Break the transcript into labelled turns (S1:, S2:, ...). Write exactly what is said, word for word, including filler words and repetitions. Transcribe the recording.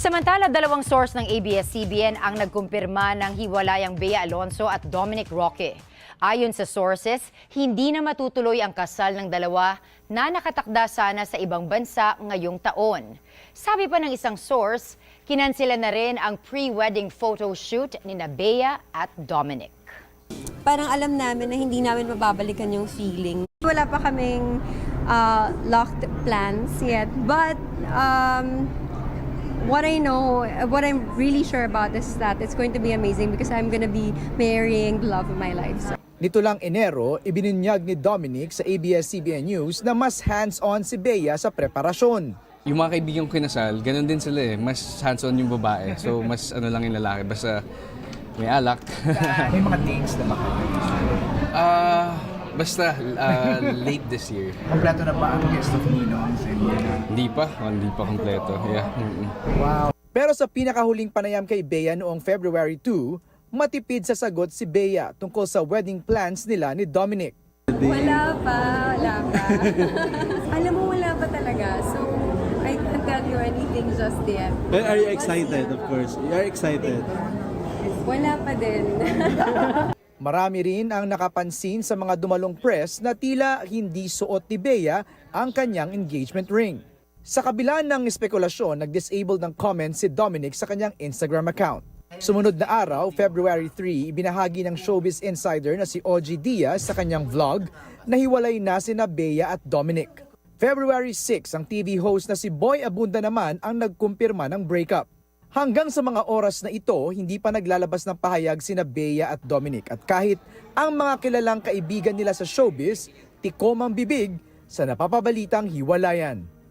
S1: Samantala, dalawang source ng A B S C B N ang nagkumpirma ng hiwalayang Bea Alonzo at Dominic Roque. Ayon sa sources, hindi na matutuloy ang kasal ng dalawa na nakatakda sana sa ibang bansa ngayong taon. Sabi pa ng isang source, kinansela na rin ang pre-wedding photo shoot ni Bea at Dominic.
S2: Parang alam namin na hindi namin mababalikan yung feeling. Wala pa kaming uh, locked plans yet, but um, what I know, what I'm really sure about is that it's going to be amazing because I'm going to be marrying the love of my life. So.
S3: Nito lang Enero, ibinunyag ni Dominic sa A B S C B N News na mas hands-on si Bea sa preparasyon.
S4: Yung mga kaibigang kinasal, ganun din sila eh. Mas hands-on yung babae. So mas ano lang yung lalaki. Basta may alak.
S3: May mga dates na ba kayo?
S4: Ah, basta uh, late this year.
S3: Kompleto na ba ang guest of Ninong?
S4: Hindi pa. Oh, hindi pa kompleto. Yeah. Mm-mm.
S3: Wow. Pero sa pinakahuling panayam kay Bea noong February second, matipid sa sagot si Bea tungkol sa wedding plans nila ni Dominic.
S2: Wala pa, wala pa. Alam mo, wala pa talaga. So, I can't tell you anything just yet.
S5: But are you excited, of course? You are excited?
S2: Wala pa din.
S3: Marami rin ang nakapansin sa mga dumalong press na tila hindi suot ni Bea ang kanyang engagement ring. Sa kabila ng espekulasyon, nag-disable ng comments si Dominic sa kanyang Instagram account. Sumunod na araw, February third, ibinahagi ng showbiz insider na si O G Diaz sa kanyang vlog na hiwalay na sina Bea at Dominic. February sixth, ang T V host na si Boy Abunda naman ang nagkumpirma ng breakup. Hanggang sa mga oras na ito, hindi pa naglalabas ng pahayag sina Bea at Dominic. At kahit ang mga kilalang kaibigan nila sa showbiz, tikom ang bibig sa napapabalitang hiwalayan.